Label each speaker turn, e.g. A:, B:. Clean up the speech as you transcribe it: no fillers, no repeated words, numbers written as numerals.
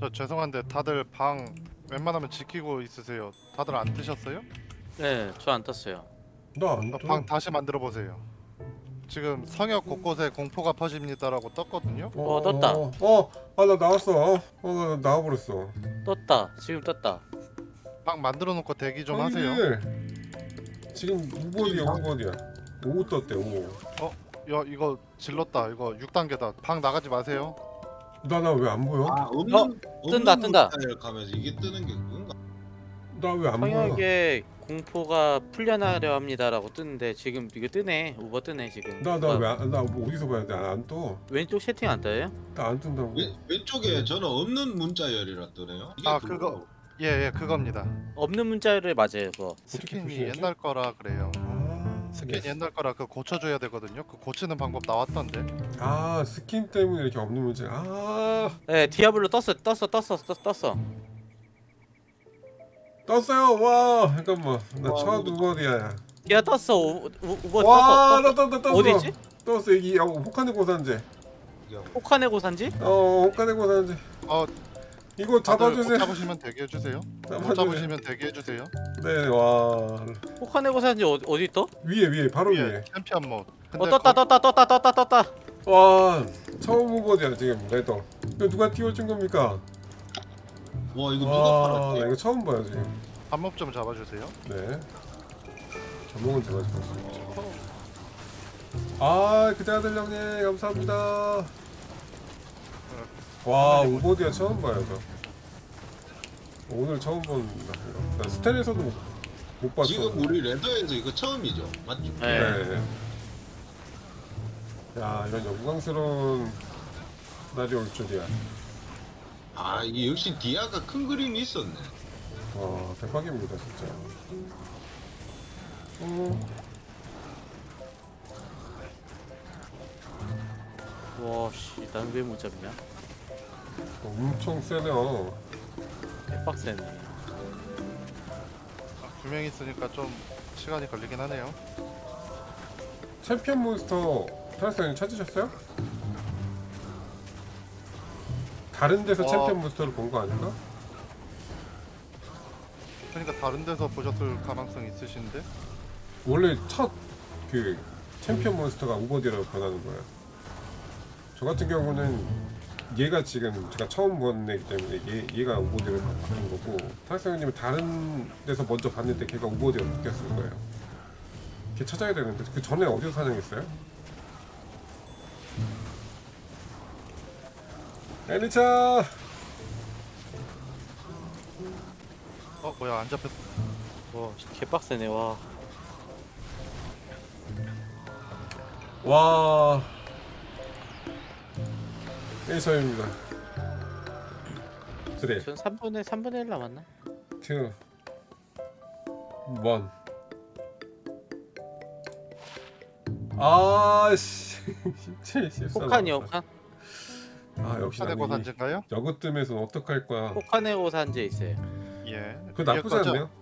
A: 저 죄송한데 다들 방 웬만하면 지키고 있으세요. 다들 안 뜨셨어요?
B: 네, 저 안 떴어요.
C: 나안
A: 방
C: 떠.
A: 다시 만들어 보세요. 지금 성역 곳곳에 공포가 퍼집니다라고 떴거든요.
B: 떴다.
C: 나 나왔어. 나 나와버렸어.
B: 떴다. 지금 떴다.
A: 방 만들어 놓고 대기 좀 하세요.
C: 형님들, 지금 우버디야 우버디야. 5 떴대 5.
A: 야 이거 질렀다. 이거 6단계다. 방 나가지 마세요.
C: 나 왜 안 보여?
D: 아 없는
B: 뜬다, 뜬다.
D: 문자열 가면서 이게 뜨는 게 그건가?
C: 나 왜 안 보여?
B: 성역에 공포가 풀려나려 합니다라고 뜨는데 지금 이거 뜨네. 우버 뜨네 지금.
C: 나 뭐 어디서 봐야 돼? 안 떠.
B: 왼쪽 세팅 안 떠요?
C: 나 안 뜬다고.
D: 왼쪽에 저는 없는 문자열이라 뜨네요. 이게
A: 아,
D: 그거.
A: 예 그겁니다.
B: 없는 문자를 맞아요 그거.
A: 스킨이
C: 표시하지?
A: 옛날 거라 그래요.
C: 아,
A: 스킨이
C: 네.
A: 옛날 거라 그 고쳐줘야 되거든요. 그 고치는 방법 나왔던데.
C: 아 스킨 때문에 이렇게 없는 문제.
B: 네, 디아블로 떴어.
C: 떴어요. 와 잠깐만. 나
D: 와,
C: 첫
D: 이거-
C: 우버디야.
B: 야 떴어. 우버
C: 와,
B: 떴어.
C: 떴어.
B: 어디지?
C: 떴어 여기 혹한의 고산제.
D: 이게
B: 호카네고 산지?
C: 혹한의 고산제.
A: 어
C: 이거
A: 다들 못
C: 잡아주세요.
A: 잡으시면 대기해 주세요. 못
C: 잡아주세요.
A: 잡으시면 대기해 주세요.
C: 네, 와
B: 호카네고 산지 어디 떠?
C: 위에 바로
A: 위에
C: 위에.
A: 챔피언 모드.
B: 떴다.
C: 와 처음 우버디야 지금 레더. 이거 누가 띄워준 겁니까?
D: 와 이거 누가
C: 와,
D: 팔았지?
C: 나 이거 처음 봐요 지금.
A: 반목 좀 잡아주세요.
C: 네. 전목은 제가 잡았습니다. 그자들 형님 감사합니다. 와 우버디야 처음 봐요 저. 오늘 처음 본다. 나 스텔에서도 못 봤어.
D: 지금 우리 레더에서 이거 처음이죠, 맞죠?
B: 네.
C: 네. 야 이런 영광스러운 날이 올 줄이야.
D: 아 이게 역시 디아가 큰 그림이 있었네.
C: 와 대박입니다 진짜.
B: 와씨, 난 왜 못 잡냐?
C: 엄청 세네요.
B: 개빡세네.
A: 두 명 있으니까 좀 시간이 걸리긴 하네요.
C: 챔피언 몬스터 타락사님 찾으셨어요? 다른 데서 챔피언 몬스터를 본 거 아닌가?
A: 그러니까 다른 데서 보셨을 가능성이 있으신데.
C: 원래 첫 그 챔피언 몬스터가 우버디로 변하는 거예요. 저 같은 경우는 얘가 지금 제가 처음 본 애기 때문에 얘가 우버디로 바뀐 거고 타락사님은 다른 데서 먼저 봤는데 걔가 우버디로 바뀌었을 거예요. 걔 찾아야 되는데 그 전에 어디서 사냥했어요? 엘리차!
A: 뭐야 안 잡혔어.
B: 와 개빡세네. 와.
C: 와 엘리차입니다. 그래
B: 전 3분의 1 남았나?
C: 2 1 아씨 진짜 실수하다.
B: 호칸이요, 호칸.
C: 역시
A: 사대고
C: 나는
A: 산지인가요?
C: 여것 뜸에서 어떡할 거야.
B: 호카네고 산지에 있어요.
A: 예.
C: 그거 나쁘지
A: 거죠?
C: 않네요.